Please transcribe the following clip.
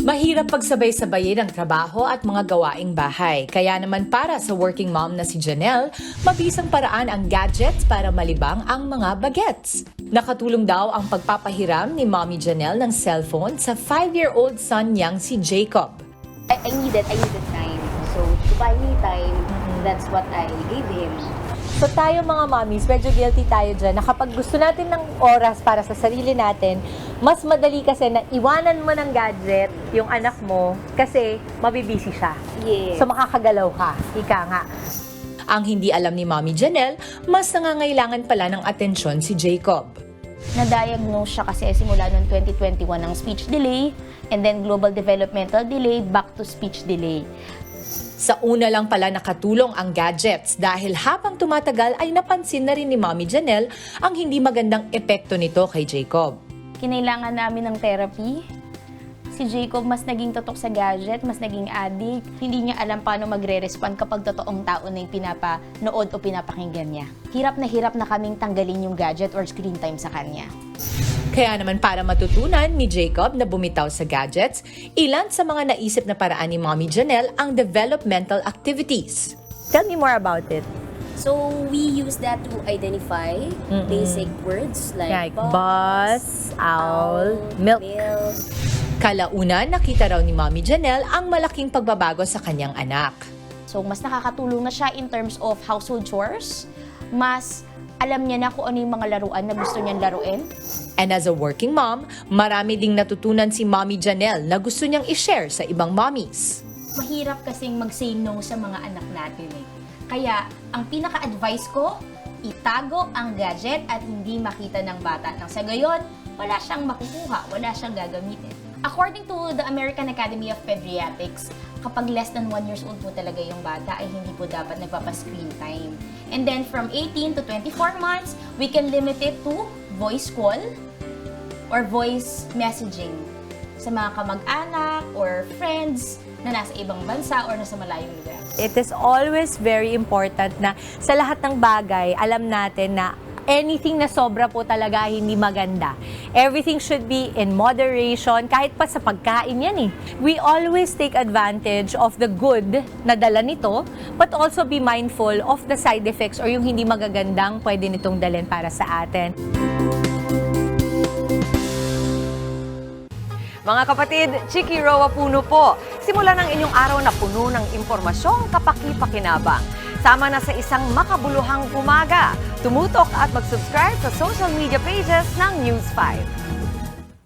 Mahirap pagsabay-sabayin ang trabaho at mga gawaing bahay. Kaya naman para sa working mom na si Janelle, mabisang paraan ang gadgets para malibang ang mga bagets. Nakatulong daw ang pagpapahiram ni Mommy Janelle ng cellphone sa 5-year-old son niyang si Jacob. I needed time. So, to buy me time, that's what I gave him. So tayo mga mommies, medyo guilty tayo dyan na kapag gusto natin ng oras para sa sarili natin, mas madali kasi na iwanan mo ng gadget yung anak mo kasi mabibisi siya. Yes. So makakagalaw ka, ika nga. Ang hindi alam ni Mommy Janelle, mas nangangailangan pala ng atensyon si Jacob. Na-diagnose siya kasi simula noong 2021 ng speech delay and then global developmental delay back to speech delay. Sa una lang pala nakatulong ang gadgets dahil habang tumatagal ay napansin na rin ni Mommy Janelle ang hindi magandang epekto nito kay Jacob. Kinailangan namin ng therapy. Si Jacob mas naging totok sa gadget, mas naging addict. Hindi niya alam paano magre-respond kapag totoong tao na yung pinapanood o pinapakinggan niya. Hirap na kaming tanggalin yung gadget or screen time sa kanya. Kaya naman para matutunan ni Jacob na bumitaw sa gadgets, ilan sa mga naisip na paraan ni Mommy Janelle ang developmental activities. Tell me more about it. So we use that to identify basic words like bus, owl, milk. Kalaunan, nakita raw ni Mommy Janelle ang malaking pagbabago sa kanyang anak. So mas nakakatulong na siya in terms of household chores, mas alam niya na kung ano yung mga laruan na gusto niyang laruin. And as a working mom, marami ding natutunan si Mommy Janelle na gusto niyang i-share sa ibang mommies. Mahirap kasing mag-say no sa mga anak natin eh. Kaya, ang pinaka-advice ko, itago ang gadget at hindi makita ng bata. Nang sa gayon, wala siyang makukuha, wala siyang gagamitin. According to the American Academy of Pediatrics, kapag less than 1 years old po talaga yung bata ay hindi po dapat nagpapa-screen time. And then from 18 to 24 months, we can limit it to voice call or voice messaging sa mga kamag-anak or friends na nasa ibang bansa or nasa malayong lugar. It is always very important na sa lahat ng bagay, alam natin na anything na sobra po talaga hindi maganda. Everything should be in moderation, kahit pa sa pagkain yan eh. We always take advantage of the good na dala nito, but also be mindful of the side effects or yung hindi magagandang pwede nitong dalhin para sa atin. Mga kapatid, Chiki Roa Puno po. Simulan ang inyong araw na puno ng impormasyong kapaki-pakinabang. Sama na sa isang makabuluhang umaga. Tumutok at mag-subscribe sa social media pages ng News 5.